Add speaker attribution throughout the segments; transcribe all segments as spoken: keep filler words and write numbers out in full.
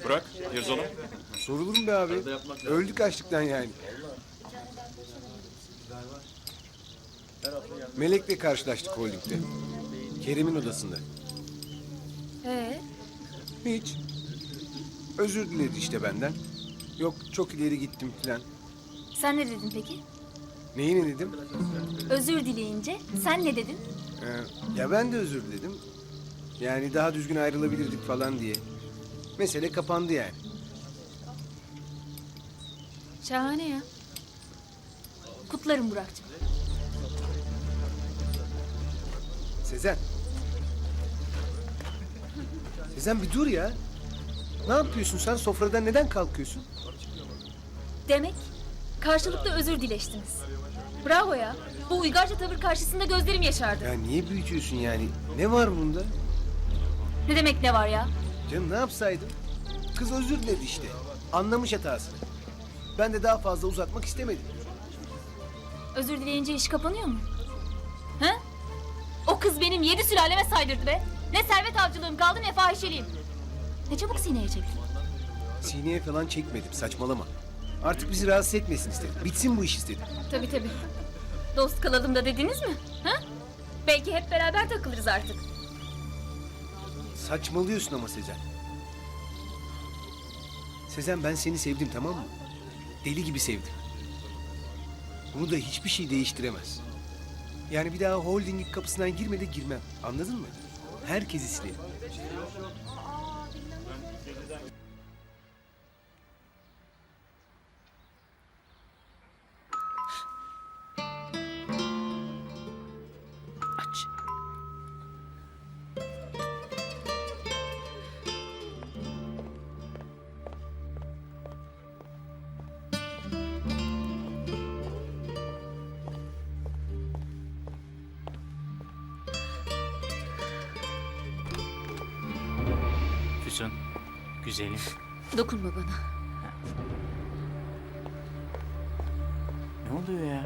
Speaker 1: Bırak, yeriz onu.
Speaker 2: Sorulur mu be abi? Öldük açlıktan yani. Melek'le karşılaştık holdingde. Kerim'in odasında.
Speaker 3: Ee,
Speaker 2: Hiç. Özür diledi işte benden. Yok çok ileri gittim filan.
Speaker 3: sen ne dedin peki?
Speaker 2: Neyi ne dedim?
Speaker 3: Özür dileyince sen ne dedin?
Speaker 2: Ee, ya ben de özür diledim. Yani daha düzgün ayrılabilirdik falan diye. Mesele kapandı yani.
Speaker 3: Şahane ya. Kutlarım Burak'cığım.
Speaker 2: Sezen. Sezen bir dur ya. Ne yapıyorsun sen? Sofradan neden kalkıyorsun?
Speaker 3: Demek karşılıklı özür dileştiniz. Bravo ya. Bu uygarca tavır karşısında gözlerim yaşardı.
Speaker 2: Ya niye büyütüyorsun yani? Ne var bunda?
Speaker 3: Ne demek ne var ya?
Speaker 2: Canım ne yapsaydım? Kız özür diledi işte. Anlamış hatasını. Ben de daha fazla uzatmak istemedim.
Speaker 3: Özür dileyince iş kapanıyor mu? He? O kız benim yedi sülaleme saydırdı be. Ne servet avcılığım kaldı ne fahişeliğim. Ne çabuk sineye çektin.
Speaker 2: Sineye falan çekmedim, saçmalama. Artık bizi rahatsız etmesin istedim. Bitsin bu iş istedim.
Speaker 3: Tabii tabii. Dost kalalım da dediniz mi? Ha? Belki hep beraber takılırız artık.
Speaker 2: Saçmalıyorsun ama Sezen. Sezen ben seni sevdim tamam mı? Deli gibi sevdim. Bunu da hiçbir şey değiştiremez. Yani bir daha holdingin kapısından girme de girmem. Anladın mı? Herkesi silerim.
Speaker 4: Aç.
Speaker 5: Füsun, güzelim.
Speaker 3: Dokunma bana.
Speaker 5: Ne oluyor ya?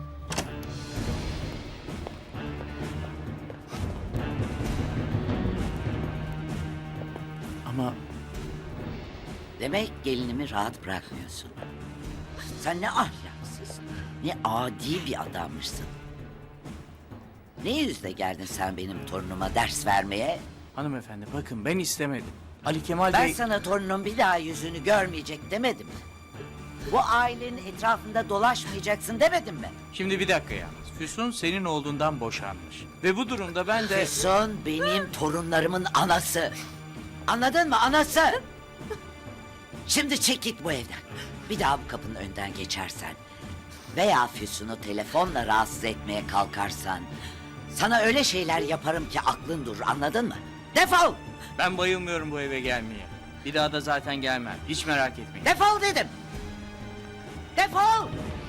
Speaker 5: Ama
Speaker 4: Demek gelinimi rahat bırakmıyorsun. Sen ne ahlaksız, ne adi bir adammışsın. Ne yüzle geldin sen benim torunuma ders vermeye?
Speaker 5: hanımefendi bakın ben istemedim. Ali Kemal
Speaker 4: Ben
Speaker 5: Bey...
Speaker 4: sana torunun bir daha yüzünü görmeyecek demedim mi? Bu ailenin etrafında dolaşmayacaksın demedim mi?
Speaker 5: Şimdi bir dakika yalnız. Füsun senin olduğundan boşanmış. Ve bu durumda ben de...
Speaker 4: Füsun benim torunlarımın anası. Anladın mı anası? Şimdi çek git bu evden. Bir daha bu kapının önden geçersen veya Füsun'u telefonla rahatsız etmeye kalkarsan sana öyle şeyler yaparım ki aklın durur anladın mı? Defol!
Speaker 5: Ben bayılmıyorum bu eve gelmeye. Bir daha da zaten gelmem. Hiç merak etmeyin.
Speaker 4: Defol dedim! Defol!